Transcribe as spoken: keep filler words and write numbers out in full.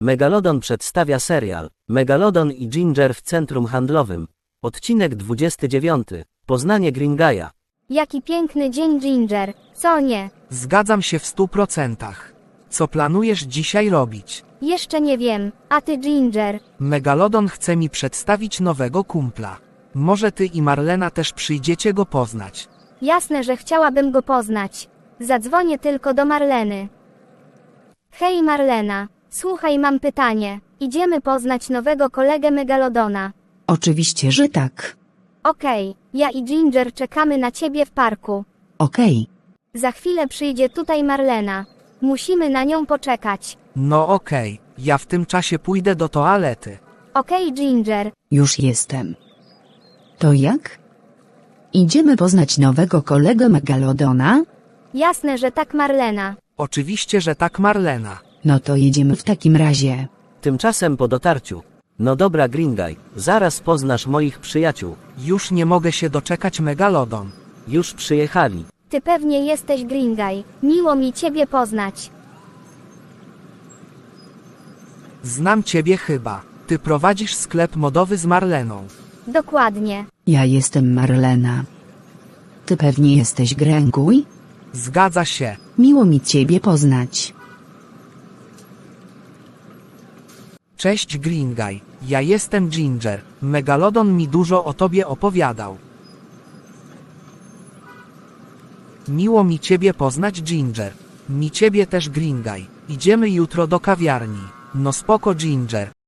Megalodon przedstawia serial Megalodon i Ginger w centrum handlowym. Odcinek dwudziesty dziewiąty. Poznanie Gringaya. Jaki piękny dzień, Ginger, co nie? Zgadzam się w stu procentach. Co planujesz dzisiaj robić? Jeszcze nie wiem, a ty, Ginger? Megalodon chce mi przedstawić nowego kumpla. Może ty i Marlena też przyjdziecie go poznać. Jasne, że chciałabym go poznać. Zadzwonię tylko do Marleny. Hej Marlena, słuchaj, mam pytanie. Idziemy poznać nowego kolegę Megalodona. Oczywiście, że tak. Okej, ja i Ginger czekamy na ciebie w parku. Okej. Za chwilę przyjdzie tutaj Marlena. Musimy na nią poczekać. No okej, ja w tym czasie pójdę do toalety. Okej, Ginger. Już jestem. To jak? Idziemy poznać nowego kolegę Megalodona? Jasne, że tak, Marlena. Oczywiście, że tak, Marlena. No to jedziemy w takim razie. Tymczasem po dotarciu. No dobra, Gringay, zaraz poznasz moich przyjaciół. Już nie mogę się doczekać, Megalodon. Już przyjechali. Ty pewnie jesteś Gringay. Miło mi ciebie poznać. Znam ciebie chyba. Ty prowadzisz sklep modowy z Marleną. Dokładnie. Ja jestem Marlena. Ty pewnie jesteś Gringay? Zgadza się. Miło mi ciebie poznać. Cześć, Gringay. Ja jestem Ginger. Megalodon mi dużo o tobie opowiadał. Miło mi ciebie poznać, Ginger. Mi ciebie też, Gringay. Idziemy jutro do kawiarni. No spoko, Ginger.